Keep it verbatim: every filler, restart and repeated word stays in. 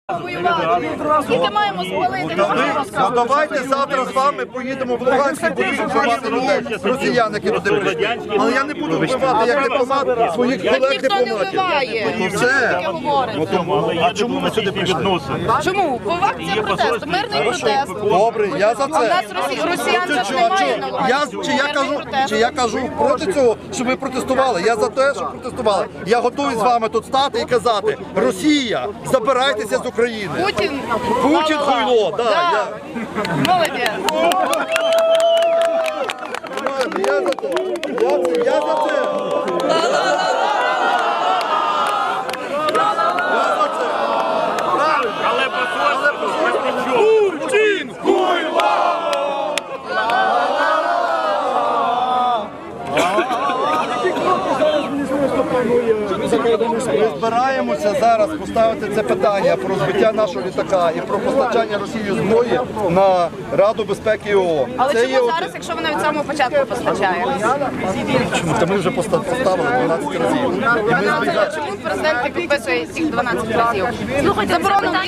Скільки маємо спалити? Ну давайте завтра з вами поїдемо в Луганськ і будемо вбивати людей, росіян, які туди прийшли. Але я не буду вбивати як дипломат своїх колег Ніхто не дипломатів. вбиває. Ну все. Таке говорите. А чому ви сюди прийшли? Чому? Бо акція протесту, мирний протест. Добре, я за А в нас це. росі- росіян же ж Чи- немає на чи- Луганську. Я, чи, я Мирний кажу, протест. чи я кажу проти цього, щоб ви протестували? Я за те, щоб протестували. Я готовий з вами тут стати і казати: Росія, забирайтеся з України. Путін. Путін хуйло, да, я. Молодець. Я за це. Я, це- я за це. Я за це. Але посольство Путін! Ми збираємося зараз поставити це питання про збиття нашого літака і про постачання Росії зброї на Раду безпеки ООН. Але Це є чому от- зараз, якщо вона від самого початку постачає? Чому? Та ми вже поста- поставили дванадцять разів. І ми збігаємо. Чому президент не підписує цих дванадцять разів? Слухайте, заборонено